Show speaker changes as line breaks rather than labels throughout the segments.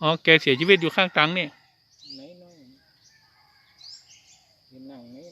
อ๋อแกเสียชีวิตอยู่ข้างตังเนี่ย
ไหนน้องยืนนั่งนี่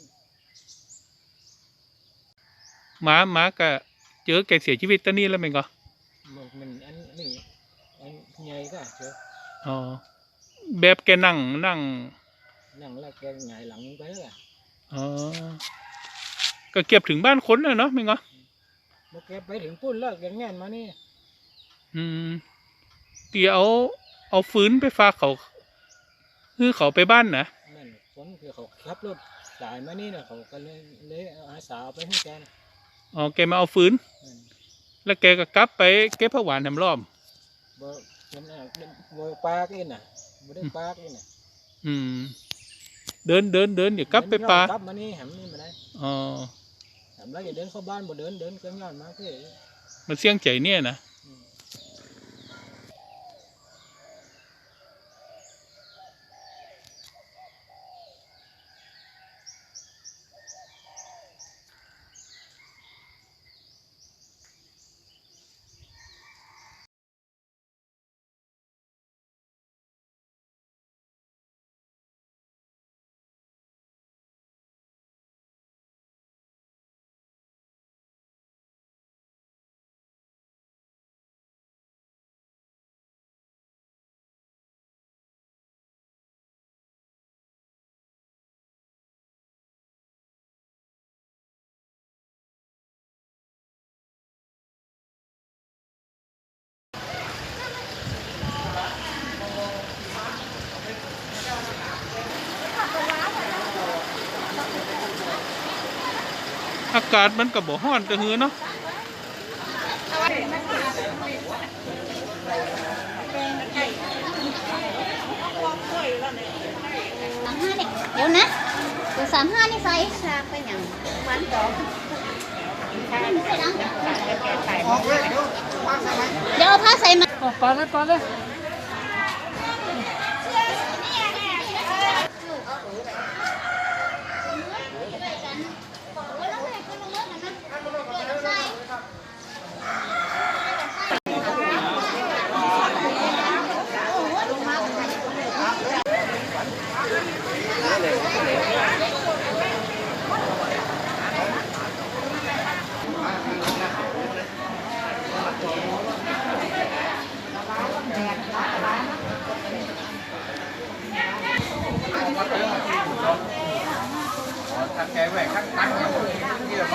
หมาก็เจอแกเสียชีวิตตอนนี้แล้วมั้งก็
มันอันนี้อันใหญ่ก็เจอ
อ๋อแบบแกนั่ง
แล้วแกหงายหลังไปแล้ว
อ๋อก็เก็บถึงบ้านคนแล้วเนาะมั้งก็
เมื่อแกไปถึงปุ้นแล้วแกแง่นมานี่
อืมตีเอาฟื้นไปฝากเขาคือเขาไปบ้านนะ
นั่นคนคือเขาขับรถสายมานี่นะเขาก็เลยอาสาไปให้แกนะ
อ๋อแกมาเอาฟื้น
นั่น
แล้วแกก็กลับไปเก็บผักหวานแถมรอบ
บ่เป็นบ่ปากเองน่ะบ่ได้ปากเองน่ะ
อืมเดินเดี๋ยวกลับไปป่าก
ลับมานี่แหมนี่มาได้
อ๋อ
แหมแล้วอย่าเดินเข้าบ้านบ่เดินเครื่องย้อนมาเพื่อ
มันเสี่ยงใจเนี่ยนะอากาศมันก็บ่ร้อนแต่หือเนาะ
เดี๋ยวนะตัว35นี่ใส่ชาไปอย่างวันต่อเดี๋ยวเอาผ้าใส่มา
ก่อนเลยแกแหวกข้างตั้งอย่างนี้เหรอ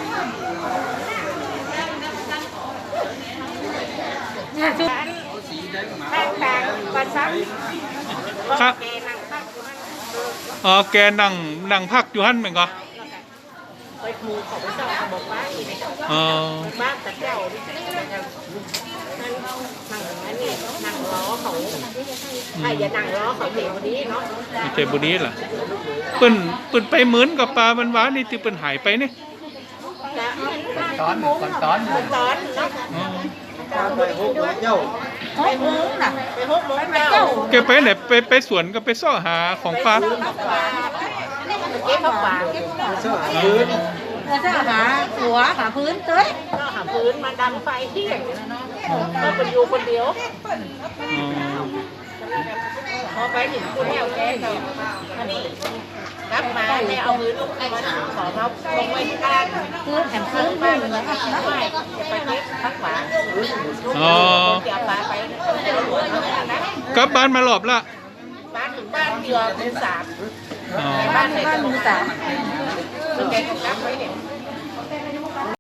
เนี่ยชุดแต่ปัสสาวะ
ครับอ๋อแกนั่งพักอยู่หั่นแม่นก็
ไปครูเขาไปสอนบอกว่าอีก
อ๋อ
บ้านแต่เจ้านั่งนี่นั่งล้อเขาใครจะนั่งล้อเขาเทบุรีเนาะ
เทบุรีล่ะเปิ้นไปเหมือนกับปลามันหวานนี่ที่เปิ้นหายไปนี่
ตอนเนาะไปหกเจ้าไปหกน่ะไปหกเจ้า
แกไปไหนไปสวนก็ไปซ่อหาของปลา
เก็บปลาซ่อหาพื้น
ซ่อหาหัวหาพื้นเต้ย
ซ่อหาพื้นมาดังไฟที่ก็เป็นอยู่คนเดียวพอไปถึงคุณแม่แกก็อันนี้รับมาแม่เอามือลูกไอ้ขอมาลงไว้ที่บ้าน
พื้นแถมพื้นบ้านเลยนะคะ
ไม่จะไปเก็บผักหวาน
อ๋อ
จะปลาไป
กลับบ้านมารอบละ
บ้านถึงบ้านเดียวเป็น3
บ้านมือ3
แกก็รับไว้เนี่ย